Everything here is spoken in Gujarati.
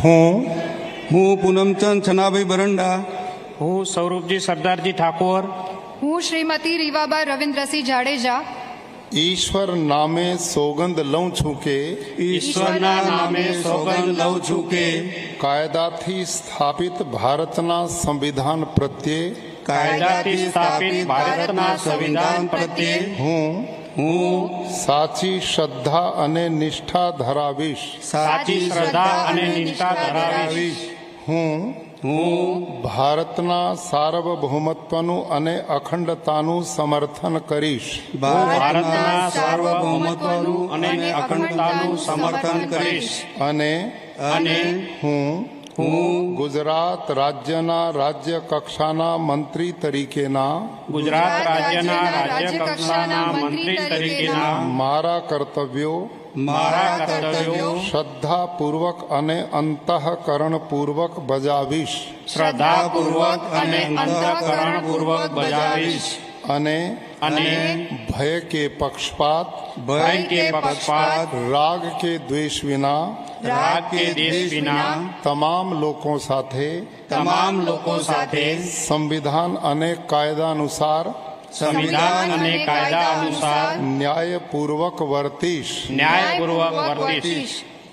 હું પૂનમચંદ છનાભાઈ બરંડા, હું સૌરભજી સરદારજી ઠાકોર, હું શ્રીમતી રીવાબા રવિન્દ્રસિંહ જાડેજા ઈશ્વર નામે સોગંદ લઉં છું કે ઈશ્વરના નામે સોગંદ લઉં છું કે કાયદાથી સ્થાપિત ભારતના સંવિધાન પ્રત્યે કાયદાથી સ્થાપિત ભારતના સંવિધાન પ્રત્યે હું સાચી શ્રદ્ધા અને નિષ્ઠા ધરાવીશ. સાચી શ્રદ્ધા અને નિષ્ઠા ધરાવીશ. હું ભારતના સાર્વભૌમત્વનું અને અખંડતાનું સમર્થન કરીશ. ભારતના સાર્વભૌમત્વનું અને અખંડતાનું સમર્થન કરીશ. અને હું ગુજરાત રાજ્યના રાજ્ય કક્ષાના મંત્રી તરીકેના ગુજરાત રાજ્યના રાજ્ય કક્ષાના મંત્રી તરીકેના મારા કર્તવ્યો શ્રદ્ધાપૂર્વક અને અંતઃકરણપૂર્વક બજાવીશ. શ્રદ્ધાપૂર્વક અને અંતઃકરણપૂર્વક બજાવીશ. અને ભય કે પક્ષપાત રાગ કે દ્વેષ વિના તમામ લોકો સાથે સંવિધાન અને કાયદા અનુસાર ન્યાયપૂર્વક વર્તીશ.